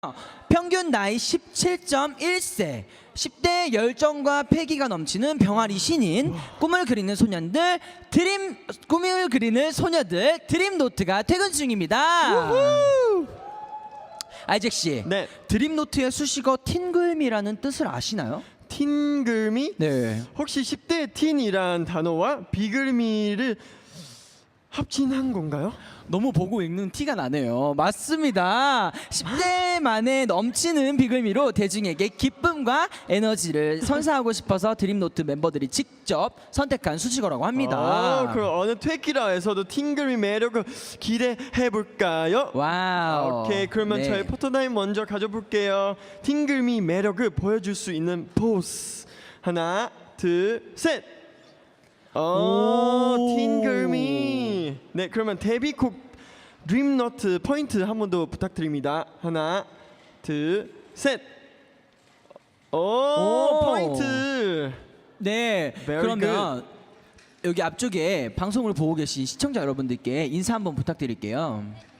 평균 나이 17.1세 10대의 열정과 패기가 넘치는 병아리 신인 꿈을 그리는 소년들 드림노트가 퇴근 중입니다. 아이잭 씨, 네. 드림노트의 수식어 틴글미라는 뜻을 아시나요? 틴글미? 네. 혹시 10대 틴이란 단어와 비글미를 합친한 건가요? 너무 보고 읽는 티가 나네요. 맞습니다. 10대만에 넘치는 비글미로 대중에게 기쁨과 에너지를 선사하고 싶어서 드림노트 멤버들이 직접 선택한 수식어라고 합니다. 그럼 어느 퇴키라에서도 팅글미 매력을 기대해 볼까요? 와우. 오케이, 그러면 네. 저희 포토타임 먼저 가져볼게요. 팅글미 매력을 보여줄 수 있는 포즈. 하나, 둘, 셋. 팅글미. 네, 그러면 데뷔곡 드림노트 포인트 한 번 더 부탁드립니다. 하나, 둘, 셋. 포인트. 네. Very 그러면 여기 앞쪽에 방송을 보고 계신 시청자 여러분들께 인사 한번 부탁드릴게요.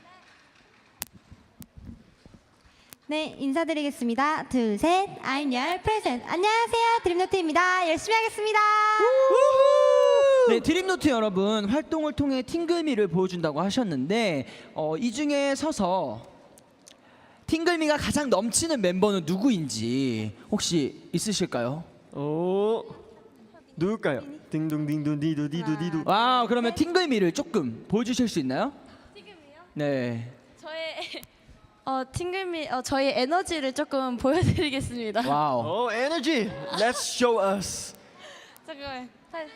네, 인사드리겠습니다. 둘, 셋. I'm your present. 안녕하세요, 드림노트입니다. 열심히 하겠습니다. 네, 드림노트 여러분 활동을 통해 팅글미를 보여준다고 하셨는데 이 중에 서서 팅글미가 가장 넘치는 멤버는 누구인지 혹시 있으실까요? 누굴까요? 딩동딩동 디도 디도 디도. 와, 그러면 팅글미를 조금 보여주실 수 있나요? 팅글미요? 네. 저의 팅글미 저희 에너지를 조금 보여드리겠습니다. 와우. 에너지. Let's show us. 잠깐만.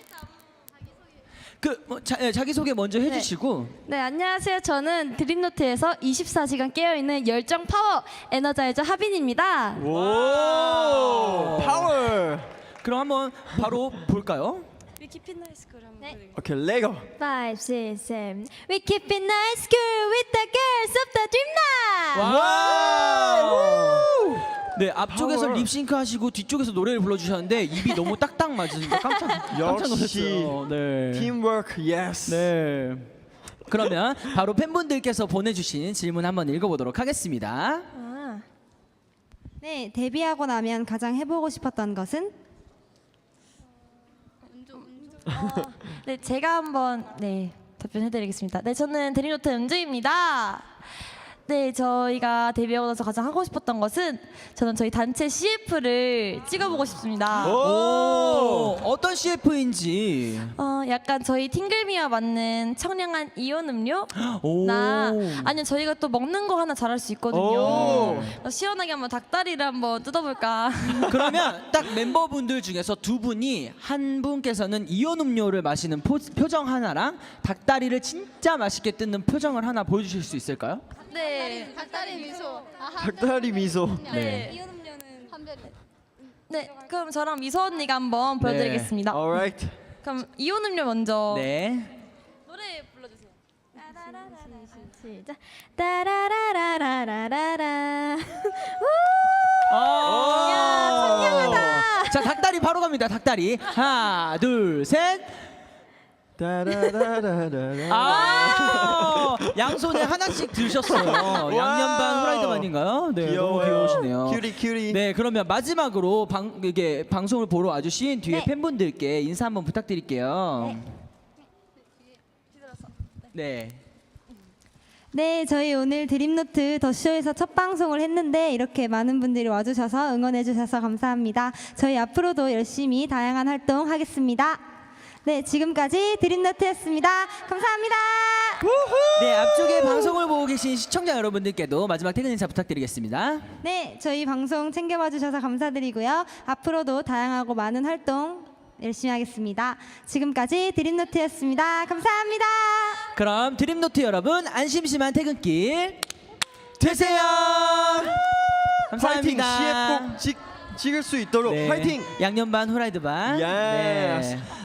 자기 소개 먼저 해주시고. 네, 안녕하세요. 저는 드림노트에서 24시간 깨어있는 열정 파워 에너자이저 하빈입니다. 오, 파워. 그럼 한번 바로 볼까요? We keep it nice girl 한번 보여드릴게요. 오케이, 레고. 5, 6, 7. We keep it nice school with the girls of the Dreamnight. 와우. 네, 앞쪽에서 파워. 립싱크 하시고 뒤쪽에서 노래를 불러주셨는데 입이 너무 딱딱 맞으니까 깜짝 놀랐어요. 네. 팀워크, 예스. 네. 그러면 바로 팬분들께서 보내주신 질문 한번 읽어보도록 하겠습니다. 네, 데뷔하고 나면 가장 해보고 싶었던 것은? 네, 제가 한번 답변해드리겠습니다. 네, 저는 드림노트 은주입니다. 네, 저희가 데뷔하고 나서 가장 하고 싶었던 것은 저는 저희 단체 CF를 찍어보고 싶습니다. 어떤 CF인지. 약간 저희 팅글미와 맞는 청량한 이온 음료? 오. 아니면 저희가 또 먹는 거 하나 잘할 수 있거든요. 시원하게 한번 닭다리를 한번 뜯어볼까. 그러면 딱 멤버분들 중에서 두 분이 한 분께서는 이온 음료를 마시는 표정 하나랑 닭다리를 진짜 맛있게 뜯는 표정을 하나 보여주실 수 있을까요? 네. 닭다리 미소. 닭다리 미소. 네. 이온 음료는 한별이. 네. 그럼 저랑 미소 언니가 한번 보여드리겠습니다. Alright. 그럼 이온 음료 먼저. 네. 노래 불러주세요. 시작. 따라라라라라라. 창피하다. 자, 닭다리 바로 갑니다. 닭다리. 하나, 둘, 셋. 따라라라라라. 양손에 하나씩 드셨어요. 양념 반 후라이드 반인가요? 네, 너무 귀여우시네요. 큐리. 네, 그러면 마지막으로 이게 방송을 보러 와주신 뒤에 네. 팬분들께 인사 한번 부탁드릴게요. 네. 네, 저희 오늘 드림노트 더쇼에서 첫 방송을 했는데 이렇게 많은 분들이 와주셔서 응원해주셔서 감사합니다. 저희 앞으로도 열심히 다양한 활동 하겠습니다. 네, 지금까지 드림노트였습니다. 감사합니다. 네, 앞쪽에 방송을 보고 계신 시청자 여러분들께도 마지막 퇴근 인사 부탁드리겠습니다. 네, 저희 방송 챙겨봐 주셔서 감사드리고요. 앞으로도 다양하고 많은 활동 열심히 하겠습니다. 지금까지 드림노트였습니다. 감사합니다. 그럼 드림노트 여러분 안심심한 퇴근길 되세요. 파이팅. 감사합니다. CF 꼭 찍을 수 있도록 네. 파이팅. 양념 반 후라이드 반. 예스. 네.